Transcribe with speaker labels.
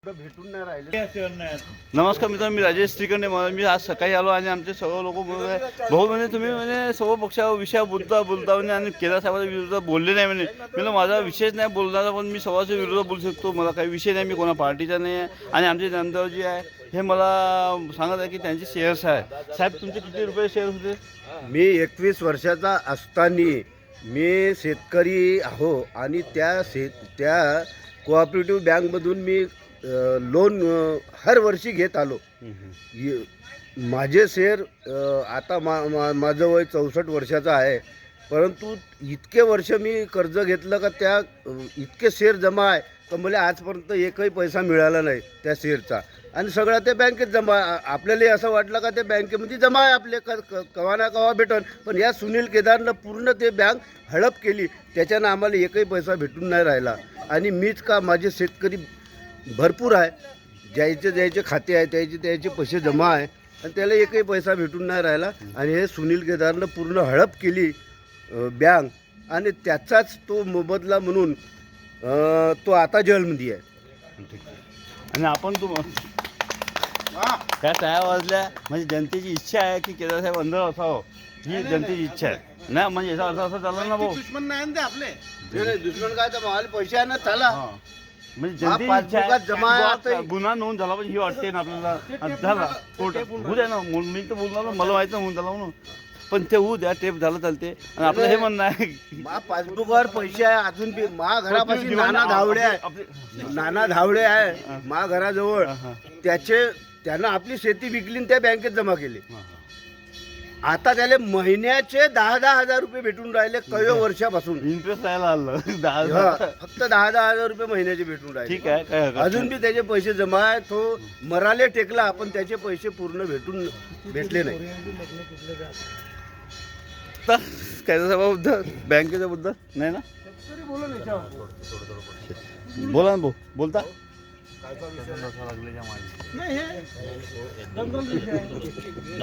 Speaker 1: भेटून नाही राहिले.
Speaker 2: नमस्कार मित्रांनो, मी राजेश श्रीखंडे. मी आज सकाळी आलो आणि आमचे सर्व लोक भाऊ म्हणजे तुम्ही म्हणजे सर्व पक्षावर विषयावर बोलता म्हणे आणि केदार साहेबांच्या विरोधात बोलले नाही म्हणे. म्हणजे माझा विषयच नाही बोलणारा, पण मी सर्वांच्या विरोधात बोलू शकतो. मला काही विषय नाही, मी कोणा पार्टीचा नाही आहे. आणि आमचे जनता जी आहे हे मला सांगत आहे की त्यांचे शेअर्स आहे. साहेब तुमचे किती रुपये शेअर होते?
Speaker 1: मी 21 वर्षाचा असताना मी शेतकरी आहो आणि त्या कोऑपरेटिव्ह बँकमधून मी लोन हर वर्षी घेत आलो. माझे शेअर आता माझं वय 64 वर्षाचं आहे, परंतु इतके वर्ष मी कर्ज घेतलं का त्या इतके शेअर जमा आहे तर मला आजपर्यंत एकही पैसा मिळाला नाही त्या शेअरचा. आणि सगळं ते बँकेत जमा. आपल्याला असं वाटलं का ते बँकेमध्ये जमा आहे आपले कवा ना कवा भेटन, पण या सुनील केदारनं पूर्ण ते बँक हडप केली. त्याच्यानं आम्हाला एकही पैसा भेटून नाही राहिला. आणि मीच का, माझे शेतकरी भरपूर आहे, ज्याचे खाते आहे त्याचे पैसे जमा आहे आणि त्याला एकही पैसा भेटून नाही राहिला. आणि हे सुनील केदारनं पूर्ण हडप केली बँक, आणि त्याचाच तो मोबदला म्हणून तो आता जेलमध्ये आहे.
Speaker 2: आणि आपण त्या टाया वाजल्या म्हणजे जनतेची इच्छा आहे की केदार साहेब अंदर असावं, ही जनतेची इच्छा आहे ना. म्हणजे याचा अर्थ असं चालला ना भाऊ,
Speaker 1: दुश्मन नाही आपले. दुश्मन काय तर मला पैसे आहे ना चला.
Speaker 2: म्हणजे जनतेची इच्छा आहे गुन्हा नोंद झाला पाहिजे ही वाटते ना आपल्याला. झाला कोर्ट होऊ द्या ना, मी तर बोलणार ना, मला माहिती होऊन झाला म्हणून, पण ते होऊ द्या, टेप झालं चालते. आणि आपलं हे म्हणणं आहे
Speaker 1: पासबुकवर पैसे आहे अजून बी. मा घरापाशी नाना धावडे आहे मा घराजवळ. त्यानं आपली शेती विकली आणि त्या बँकेत जमा केली. आता त्याला महिन्याचे 10,000 हजार रुपये भेटून राहिले काही वर्षापासून.
Speaker 2: इंटरेस्ट राहायला आलं
Speaker 1: फक्त 10,000 हजार रुपये महिन्याचे भेटून राहिले.
Speaker 2: ठीक आहे, काय
Speaker 1: अजून बी त्याचे पैसे जमा आहे. तो मराले टेकला, पण त्याचे पैसे पूर्ण भेटले नाही.
Speaker 2: काय बद्दल बँकेच्या बद्दल नाही ना, बोला ना भाऊ, बोलता
Speaker 3: नाही हे